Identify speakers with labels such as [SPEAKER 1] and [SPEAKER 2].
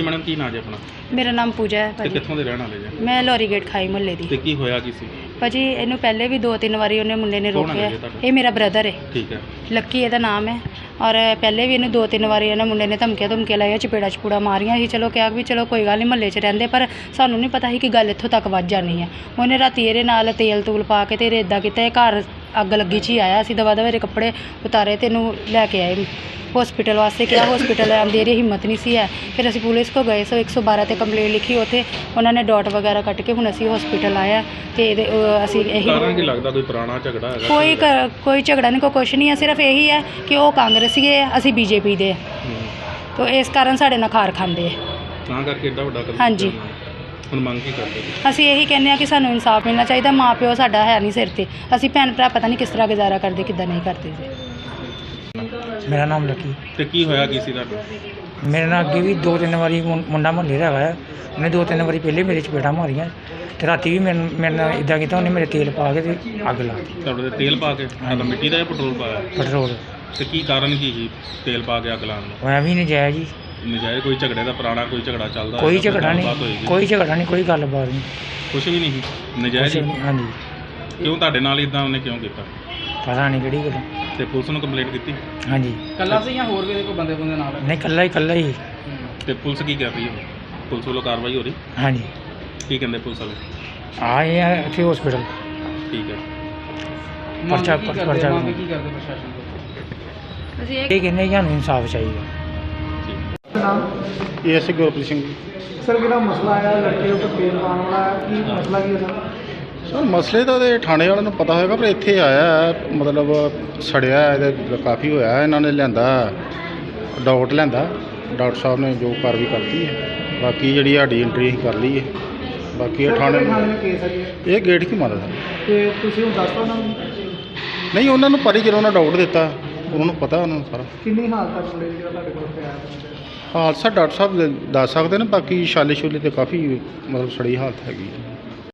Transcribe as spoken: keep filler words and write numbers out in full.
[SPEAKER 1] Madam की नाम है अपना?
[SPEAKER 2] मेरा नाम पूजा है
[SPEAKER 1] ਤੇ
[SPEAKER 2] भाजी।
[SPEAKER 1] ਕਿੱਥੋਂ ਦੇ ਰਹਿਣ ਵਾਲੇ ਜੀ?
[SPEAKER 2] मैं लोरी गेट खाई मुहल्ले
[SPEAKER 1] ਤੇ
[SPEAKER 2] दी
[SPEAKER 1] ਕੀ ਹੋਇਆ ਕੀ ਸੀ?
[SPEAKER 2] भाजी। ਇਹਨੂੰ ਪਹਿਲੇ ਵੀ ਦੋ ਤਿੰਨ ਵਾਰੀ ਉਹਨੇ ਮੁੰਡੇ ਨੇ
[SPEAKER 1] ਕੌਣ ਹੈ
[SPEAKER 2] ਰੋਕਿਆ।
[SPEAKER 1] ਜੀ ਤੁਹਾਡਾ?
[SPEAKER 2] ਇਹ ਮੇਰਾ ਬ੍ਰਦਰ ਹੈ,
[SPEAKER 1] ਠੀਕ ਹੈ।
[SPEAKER 2] ਲੱਕੀ ਇਹਦਾ ਨਾਮ ਹੈ। ਔਰ ਪਹਿਲੇ ਵੀ ਇਹਨੂੰ ਦੋ ਤਿੰਨ ਵਾਰੀ ਇਹਨਾਂ ਮੁੰਡੇ ਨੇ ਧਮਕੀਆਂ ਧਮਕੀਆਂ ਲਾਈਆਂ, ਚਪੇੜਾ ਚਪੂੜਾ ਮਾਰੀਆਂ ਸੀ। ਚਲੋ ਕਿਹਾ ਵੀ ਚਲੋ ਕੋਈ ਗੱਲ ਨਹੀਂ, ਮਹੱਲੇ 'ਚ ਰਹਿੰਦੇ, ਪਰ ਸਾਨੂੰ ਨਹੀਂ ਪਤਾ ਸੀ ਕਿ ਗੱਲ ਇੱਥੋਂ ਤੱਕ ਵੱਧ ਜਾਣੀ ਹੈ। ਉਹਨੇ ਰਾਤੀ ਇਹਦੇ ਨਾਲ ਤੇਲ ਤੂਲ ਪਾ ਕੇ ਤੇ ਇਹਦੇ ਇੱਦਾਂ ਕੀਤਾ, ਇਹ ਘਰ ਅੱਗ ਲੱਗੀ 'ਚ ਹੀ ਆਇਆ। ਅਸੀਂ ਦਵਾ ਦਵਾ ਇਹਦੇ ਕੱਪੜੇ ਉਤਾਰੇ ਤੇ ਇਹਨੂੰ ਲੈ ਕੇ ਆਏ ਹੌਸਪੀਟਲ ਵਾਸਤੇ। ਕਿਹਾ ਹੌਸਪੀਟਲ ਆਉਂਦੀ ਇਹਦੀ ਹਿੰਮਤ ਨਹੀਂ ਸੀ ਹੈ। ਫਿਰ ਅਸੀਂ ਪੁਲਿਸ ਕੋ ਗਏ ਸੋ ਇੱਕ ਸੌ ਬਾਰਾਂ 'ਤੇ ਕੰਪਲੇਂਟ ਲਿਖੀ, ਉੱਥੇ ਉਹਨਾਂ ਨੇ ਡਾਟ ਵਗੈਰਾ ਕੱਟ ਕੇ ਹੁਣ ਅਸੀਂ ਹੌਸਪੀਟਲ ਆਇਆ ਤੇ ਇਹਦੇ ਅ, ਅਸੀਂ ਇਹੀ
[SPEAKER 1] ਕਾਰਨ ਕੀ ਲੱਗਦਾ ਕੋਈ ਪੁਰਾਣਾ ਝਗੜਾ ਹੈਗਾ?
[SPEAKER 2] ਕੋਈ ਕ- ਕੋਈ ਝਗੜਾ ਨਹੀਂ, ਕੋਈ ਕੁਛ ਨਹੀਂ ਹੈ। ਸਿਰਫ ਇਹੀ ਹੈ ਕਿ ਉਹ ਕਾਂਗਰਸੀ ਹੈ, ਅਸੀਂ ਬੀਜੇਪੀ ਦੇ,
[SPEAKER 1] ਹੂੰ।
[SPEAKER 2] ਤਾਂ ਇਸ ਕਾਰਨ ਸਾਡੇ ਨਾਲ ਖਾਰ ਖਾਂਦੇ ਹੈ।
[SPEAKER 1] ਤਾਂ ਕਰਕੇ ਏਡਾ ਵੱਡਾ ਕਦਮ
[SPEAKER 2] ਹਾਂਜੀ।
[SPEAKER 1] ਚੁੱਕਿਆ ਉਹਨਾਂ ਨੇ। ਹੁਣ ਮੰਗ ਕੀ ਕਰਦੇ ਜੀ?
[SPEAKER 2] ਅਸੀਂ ਇਹੀ ਕਹਿੰਦੇ ਹਾਂ ਕਿ ਸਾਨੂੰ ਇਨਸਾਫ ਮਿਲਣਾ ਚਾਹੀਦਾ। ਮਾਂ ਪਿਓ ਸਾਡਾ ਹੈ ਨਹੀਂ ਸਿਰ ਤੇ, ਅਸੀਂ ਭੈਣ ਭਰਾ ਪਤਾ ਨਹੀਂ ਕਿਸ ਤਰ੍ਹਾਂ ਗੁਜ਼ਾਰਾ ਕਰਦੇ ਕਿੱਦਾਂ ਨਹੀਂ ਕਰਦੇ ਜੀ।
[SPEAKER 3] ਮੇਰਾ ਨਾਮ ਲੱਕੀ।
[SPEAKER 1] ਤੇ ਕੀ ਹੋਇਆ ਕੀ ਸੀ ਤੁਹਾਡਾ?
[SPEAKER 3] ਮੇਰੇ ਨਾਲ ਅੱਗੇ ਵੀ ਦੋ ਤਿੰਨ ਵਾਰੀ ਮੁੰ- ਮੁੰਡਾ ਮੁਹੱਲੇ ਦਾ ਹੈਗਾ ਆ, ਉਹਨੇ ਦੋ ਤਿੰਨ ਵਾਰੀ ਪਹਿਲੇ ਮੇਰੇ ਚਪੇੜਾਂ ਮਾਰੀਆਂ ਤੇ ਰਾਤੀ ਵੀ ਮੇਰੇ ਮੇਰੇ ਨਾਲ ਇੱਦਾਂ ਕੀਤਾ, ਉਹਨੇ ਮੇਰੇ ਤੇਲ ਪਾ ਕੇ ਤੇ ਅੱਗ ਲਾ ਦਿੱਤੀ।
[SPEAKER 1] ਤੁਹਾਡੇ ਤੇ ਤੇਲ ਪਾ ਕੇ? ਮਤਲਬ ਮਿੱਟੀ ਦਾ ਜਾਂ ਪੈਟਰੋਲ ਪਾਇਆ?
[SPEAKER 3] ਪੈਟਰੋਲ
[SPEAKER 1] ਤੇ ਕੀ ਕਾਰਨ ਕੀ ਸੀ ਤੇਲ ਪਾ ਕੇ ਅੱਗ ਲਾਉਣ ਦਾ?
[SPEAKER 3] ਹੋਇਆ ਵੀ ਨਜਾਇਜ਼ ਜੀ,
[SPEAKER 1] ਨਜਾਇਜ਼ ਕੋਈ ਝਗੜੇ ਦਾ ਪੁਰਾਣਾ ਕੋਈ ਝਗੜਾ ਚੱਲਦਾ
[SPEAKER 3] ਕੋਈ
[SPEAKER 1] ਹੋਏਗਾ,
[SPEAKER 3] ਝਗੜਾ
[SPEAKER 1] ਗੱਲਬਾਤ
[SPEAKER 3] ਨਹੀਂ,
[SPEAKER 1] ਹੋਏਗੀ?
[SPEAKER 3] ਕੋਈ ਝਗੜਾ ਨਹੀਂ, ਕੋਈ ਗੱਲਬਾਤ ਨਹੀਂ,
[SPEAKER 1] ਕੁਛ ਵੀ ਨਹੀਂ ਸੀ? ਨਜਾਇਜ਼
[SPEAKER 3] ਕੁਛ
[SPEAKER 1] ਹੀ?
[SPEAKER 3] ਨਹੀਂ। ਹਾਂਜੀ,
[SPEAKER 1] ਕਿਉਂ ਤੁਹਾਡੇ ਨਾਲ ਇਦਾਂ ਉਹਨੇ ਕਿਉਂ ਕੀਤਾ?
[SPEAKER 3] ਪਤਾ ਨਹੀਂ ਕਿਹੜੀ ਗੱਲ।
[SPEAKER 1] ਤੇ ਪੁਲਿਸ ਨੂੰ ਕੰਪਲੇਂਟ ਕੀਤੀ?
[SPEAKER 3] ਹਾਂਜੀ,
[SPEAKER 4] ਕੱਲਾ ਸੀ ਜਾਂ ਹੋਰ ਵੀ ਕੋਈ ਬੰਦੇ ਬੰਦੇ ਨਾਲ?
[SPEAKER 3] ਨਹੀਂ ਇਕੱਲਾ ਹੀ ਇਕੱਲਾ ਹੀ।
[SPEAKER 1] ਤੇ ਪੁਲਿਸ ਕੀ ਕਰ ਰਹੀ ਹੈ? ਪੁਲਿਸ ਵੱਲੋਂ ਕਾਰਵਾਈ ਹੋ ਰਹੀ?
[SPEAKER 3] ਹਾਂਜੀ,
[SPEAKER 1] ਕੀ ਕਹਿੰਦੇ ਪੁਲਿਸ ਵਾਲੇ?
[SPEAKER 3] ਆਏ ਆ ਇੱਥੇ ਹਸਪੀਟਲ।
[SPEAKER 1] ਠੀਕ ਹੈ।
[SPEAKER 3] ਪਰਚਾ-
[SPEAKER 4] ਮੰਗ ਕੀ ਕਰਦੇ-
[SPEAKER 3] ਪਰਚਾ-
[SPEAKER 4] ਮੰਗ ਕੀ ਕਰਦੇ ਪ੍ਰਸ਼ਾਸਨ ਤੋਂ?
[SPEAKER 2] ਅਸੀਂ
[SPEAKER 3] ਇਹ ਕਹਿੰਦੇ ਕਿ ਸਾਨੂੰ ਇਨਸਾਫ ਚਾਹੀਦਾ।
[SPEAKER 5] ਇਹ ਐਸ ਗੁਰਪ੍ਰੀਤ ਸਿੰਘ ਜੀ।
[SPEAKER 4] ਸਰ ਜਿਹੜਾ ਮਸਲਾ ਆਇਆ ਲੜਕੇ ਉੱਪਰ ਤੇਲ ਪਾਉਣ ਵਾਲਾ, ਕੀ ਮਸਲਾ ਕੀ ਹੈ ਸਰ?
[SPEAKER 5] ਸਰ ਮਸਲੇ ਤਾਂ ਉਹਦੇ ਥਾਣੇ ਵਾਲਿਆਂ ਨੂੰ ਪਤਾ ਹੋਏਗਾ, ਪਰ ਇੱਥੇ ਆਇਆ ਹੈ, ਮਤਲਬ ਸੜਿਆ ਹੈ, ਇਹਦੇ ਕਾਫੀ ਹੋਇਆ ਹੈ। ਇਹਨਾਂ ਨੇ ਲਿਆਂਦਾ ਡਾਕਟਰ ਲਿਆਂਦਾ, ਡਾਕਟਰ ਸਾਹਿਬ ਨੇ ਜੋ ਕਾਰਵਾਈ ਕਰਤੀ ਹੈ। ਬਾਕੀ ਜਿਹੜੀ ਸਾਡੀ ਐਂਟਰੀ ਅਸੀਂ ਕਰ ਲਈ ਹੈ। ਬਾਕੀ ਇਹ ਥਾਣੇ
[SPEAKER 4] ਕੇਸ ਹੈ ਜੀ?
[SPEAKER 5] ਇਹ ਗੇਟ ਕੀ ਮਾਰਦਾ ਸਰ?
[SPEAKER 4] ਤੇ ਤੁਸੀਂ ਹੁਣ ਦੱਸੋ ਉਹਨਾਂ ਨੂੰ
[SPEAKER 5] ਨਹੀਂ, ਉਹਨਾਂ ਨੂੰ ਪਰੀ ਜਦੋਂ ਉਹਨਾਂ ਡਾਕਟਰ ਦਿੱਤਾ, ਉਹਨਾਂ ਨੂੰ ਪਤਾ ਉਹਨਾਂ ਨੂੰ ਸਾਰਾ
[SPEAKER 4] ਕਿੰਨੀ ਹਾਲਤ ਤੱਕ ਮੁੰਡੇ ਦੀ ਜਿਹੜਾ ਤੁਹਾਡੇ ਕੋਲ ਪਿਆ ਹੈ?
[SPEAKER 5] ਹਾਦਸਾ ਡਾਕਟਰ ਸਾਹਿਬ ਦੱਸ ਸਕਦੇ ਨੇ। ਬਾਕੀ ਛਾਲੇ ਛੁਲੇ ਤੇ ਕਾਫੀ ਮਤਲਬ ਸੜੀ ਹਾਲਤ ਹੈਗੀ ਹੈ।